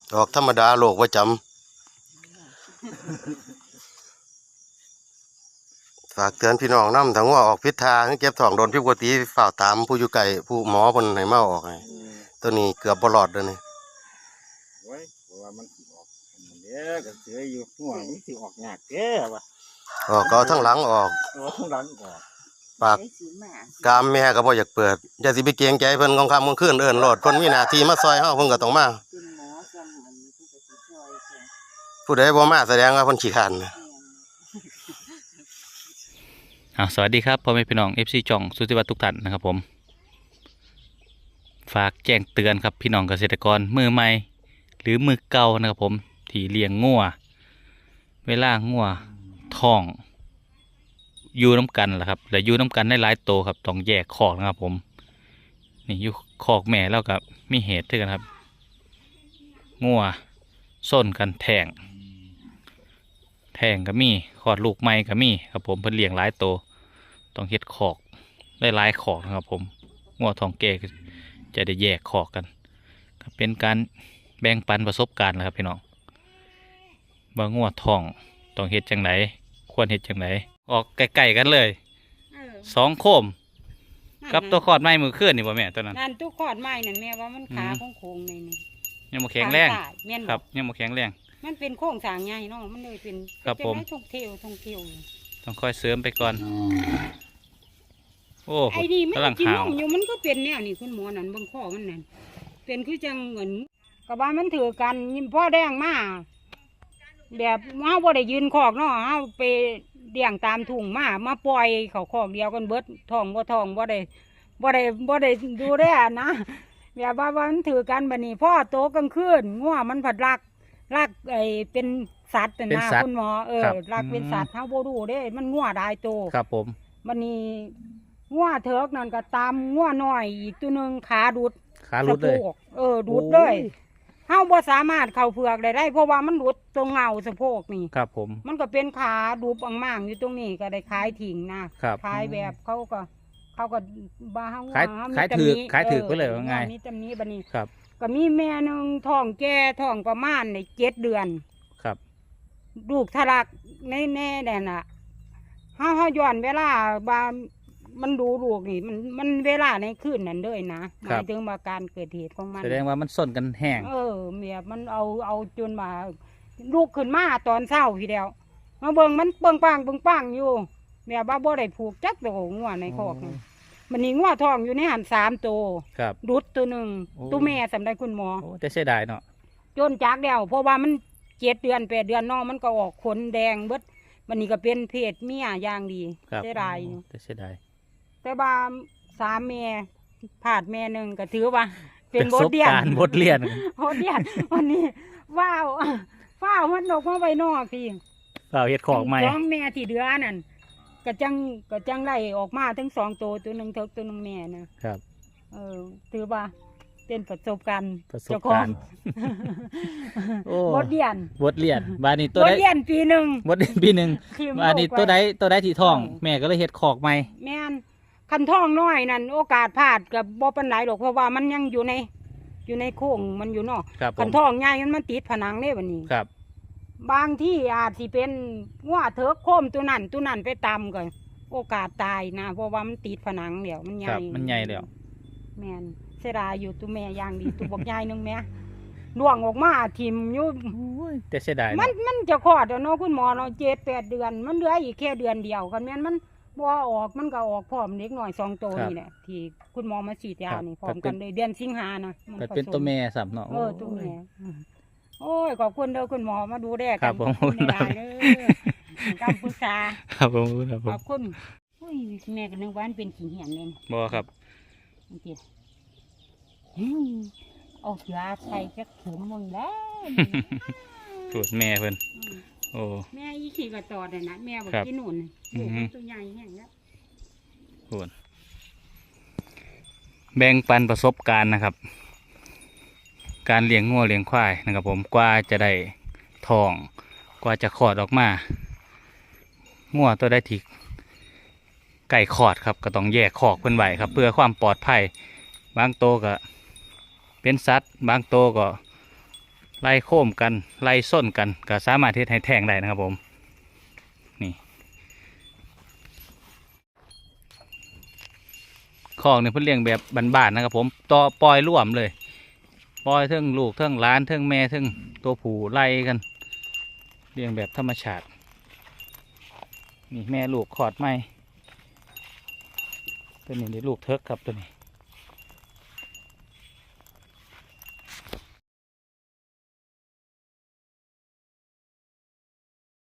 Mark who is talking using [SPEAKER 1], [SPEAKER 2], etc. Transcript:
[SPEAKER 1] ออกธรรมดาโลกประจำฝากเตือนพี่น้องนำถ้างัวออกพิษทางเก็บท้องโดนพิษปกติฝ่าวตามผู้อยู่ไกลผู้หมอเพิ่นให้มาออกให้ตัวนี้เกือบบ่รอดเด้อนี่
[SPEAKER 2] โอ้ยเพราะว่ามันสิออกเด้อก็เสืออยู่หัวมันสิออกยากเด้อว่ะ
[SPEAKER 1] ออกก็เอาทั้งหลังออก
[SPEAKER 2] ข้างหลังออก
[SPEAKER 1] ปากกามแม่ก็บ่อยากเปิดอย่าสิไปเกรงใจเพิ่นกลางค่ำกลางคืนเอิ้นโลดเพิ่นมีหน้าที่มาซอยเฮาเพิ่นก็ต้องมาผู้ใดบ่มาแสดงว่าเพิ่นขี้คร้านนะ
[SPEAKER 3] สวัสดีครับพ่อแม่พี่น้อง FC จ่องสุติวัฒน์ทุกท่านนะครับผมฝากแจ้งเตือนครับพี่น้องเกษตรกรมือใหม่หรือมือเก่านะครับผมที่เลี้ยงงัวเวลางัวท้องอยู่น้ำกันแหละครับแต่อยู่น้ำกันได้หลายโตครับต้องแยกคอกนะครับผมนี่อยู่คอกแม่แล้วกับมีเหตุด้วยกันครับงัวส้นกันแทงก็มีขอดลูกไม้ก็มีครับผมเพิ่นเลี้ยงหลายโตต้องเฮ็ดคอกได้หลายคอกนะครับผมงัวทองแก่จะได้แยกคอกกันเป็นการแบ่งปันประสบการณ์นะครับพี่น้องว่างัวทองต้องเฮ็ดจังไหนควรเฮ็ดจังไหนออกใกล้ๆกันเลยสองโคมกับตัวขอดไม้มือเคลื่อนนี่บ่แม่ตัวนั้น
[SPEAKER 4] นั่นตัวขอดไม้นั่นแม่ว่ามันขาโค้งๆนี่
[SPEAKER 3] ยังบ่แข็งแรง
[SPEAKER 4] ครับ
[SPEAKER 3] ยังบ่แข็งแรง
[SPEAKER 4] มันเป็นโค้งสร้างใหญ่เนาะมันเลยเป็น
[SPEAKER 3] ครับผม
[SPEAKER 4] ท่องเที่ยว
[SPEAKER 3] ต้องค่อยเสริมไปก่อนโอ้
[SPEAKER 4] ไอ้ดีมันกินนมอยู่มันก็เป็นแนวนี่คุณหมอนั่นบางข้อมันนั่นเป็นคือจังเหมือนกับว่ามันถือกันยิ้มพ่อแดงมาแบบเฮาบ่ได้ยืนคอกเนาะเฮาไปเลี้ยงตามทุ่งมาปล่อยเขาคอกเดียวกันเบิดท้องบ่ได้ดูแลนะแบบว่ามันถือกันบัดนี้พ่อโตกลางคืนงัวมันผัดรักไอ้เป็นสัตว์นะคุณหมอรักเป็นสัตว์เฮาบ่รู้เด้มันงัวได้โต
[SPEAKER 3] ครับผม
[SPEAKER 4] บัดนี้งัวเถิกนั่นก็ตามงัวน้อยอีกตัวนึงขาดุด
[SPEAKER 3] เลย
[SPEAKER 4] ดุดเลยเฮาบ่สามารถเข้าเผือกได้เพราะว่ามันดุดตรงเงาสะโพกนี่
[SPEAKER 3] ครับผม
[SPEAKER 4] มันก็เป็นขาดุบอ่างๆอยู่ตรงนี้ก็ได้ขายทิ้งนะขายแบบเขาก็บ้าเฮา
[SPEAKER 3] ขายถือไปเลยว่าไง
[SPEAKER 4] นี่ตำนี้บัดนี้
[SPEAKER 3] ครับ
[SPEAKER 4] ก็มีแม่นึงท้องแก่ท้องประมาณใน7 เดือน
[SPEAKER 3] ครับ
[SPEAKER 4] ลูกทะลักแน่ๆนั่นน่ะเฮาย้อนเวลาบามันดูลูกนี่มันเวลาในคืนนั้นเลยนะหมายถึงว่าการเกิดเหตุของมัน
[SPEAKER 3] แสดงว่ามันส้นกันแห้ง
[SPEAKER 4] เมียมันเอาจนมาลูกขึ้นมาตอนเช้าทีเดียวมาเบิ่งมันเบิ่งปังอยู่เมียบ้าบ่ได้ผูกจักโตงัวในคอกมันนี่งัวทองอยู่ในหัน3 ตัวดุดตัวหนึ่งตัวแม่สำได้คุณหมอ
[SPEAKER 3] แต่เสียดายเนาะ
[SPEAKER 4] จนจากเดียวเพราะว่ามัน7 เดือน8 เดือนนอกมันก็ออกขนแดงเบิดมันนี่ก็เป็นเพศเมียอย่างดีเสียดาย
[SPEAKER 3] แต่เสียดาย
[SPEAKER 4] แต่ว่า3 แม่ผาดแม่หนึ่งก็ถือว่าเป็นบทเรียนวันนี้ว้าวมันออกมาไปนอกพี่
[SPEAKER 3] เฮ็ดของใหม่
[SPEAKER 4] 2 แม่ที่เดือนั่นก็จังไล่ออกมาทั้ง2 ตัวตัวหนึ่งเถิกตัวหนึ่งแม่นะครับถือว่าเป็นประสบการณ์บทเรียน
[SPEAKER 3] บานี้ตัวใด
[SPEAKER 4] ปีหนึ่ง
[SPEAKER 3] บานี้ตัวใดที่ท้องแม่ก็เลยเฮ็ดขอกใหม่
[SPEAKER 4] แม่นคันท้องน้อยนั่นโอกาสพลาดกับบ่ปานใดหรอกเพราะว่ามันยังอยู่ในโค้งมันอยู่เนาะคันท้องใหญ่มันติดผนังได้บัดนี้
[SPEAKER 3] ครับ
[SPEAKER 4] บางที่อาจสิเป็นงัวเถิกโคมตัวนั้นไปตำก่อนโอกาสตายนะเพราะว่ามันติดผนังเดี๋ยวมันให
[SPEAKER 3] ญ่แล้ว
[SPEAKER 4] แม่นเสียดายอยู่ตัวแม่อย่างดีตัวบอกใหญ่นึงแม่ล่วงออกมาทิ่มอยู่
[SPEAKER 3] แต่เสียดาย
[SPEAKER 4] มันจะคลอดแล้วเนาะคุณหมอเนาะ7 8 เดือนมันเหลืออีกแค่เดือนเดียวกันแม่นมันบ่ออกมันก็ออกพร้อมเล็กหน่อย2 ตัวนี่แหละที่คุณหมอมาฉีดยานี่พร้อมกันเลยเดือนสิงหานะ
[SPEAKER 3] มันเป็นตัวแม่สับเนาะ
[SPEAKER 4] ตัวแม่โอ้ยขอบคุณเด้อคุณหมอมาดูแลกัน
[SPEAKER 3] ขอบคุณ
[SPEAKER 4] ได้การปรึกษา
[SPEAKER 3] ครับผม
[SPEAKER 4] ขอบคุณแม่ก็นึกว่ามันเป็นขี้เหี่ยนเลย
[SPEAKER 3] บ่ครับ
[SPEAKER 4] เอายาใส่จักถุงมึงแล้ว
[SPEAKER 3] สูตรแม่เพิ่นโอ้
[SPEAKER 4] แม่อีขี้ก็ตอดเลยนะแม่บอกที่นู่นตัวใหญ่แห้งแล้ว
[SPEAKER 3] แบ่งปันประสบการณ์นะครับการเลี้ยงงัวเลี้ยงควายนะครับผมกว่าจะได้ทองกว่าจะคลอดออกมางัวตัวได้ที่ไก่คลอดครับก็ต้องแยกคอกเพิ่นไว้ครับเพื่อความปลอดภัยบางโตก็เป็นสัตว์บางโตก็ไล่โค้มกันไล่ส้นกันก็สามารถเฮ็ดให้แทงได้นะครับผมนี่คอกเนี่ยเพิ่นเลี้ยงแบบบ้านๆนะครับผมต่อปล่อยร่วมเลยปล่อยเทิงลูกเทิงหลานเทิงแม่เทิงตัวผู้ไล่กันเลี้ยงแบบธรรมชาตินี่แม่ลูกขอดไหมตัวนี้ได้ลูกเทิกครับตัวนี้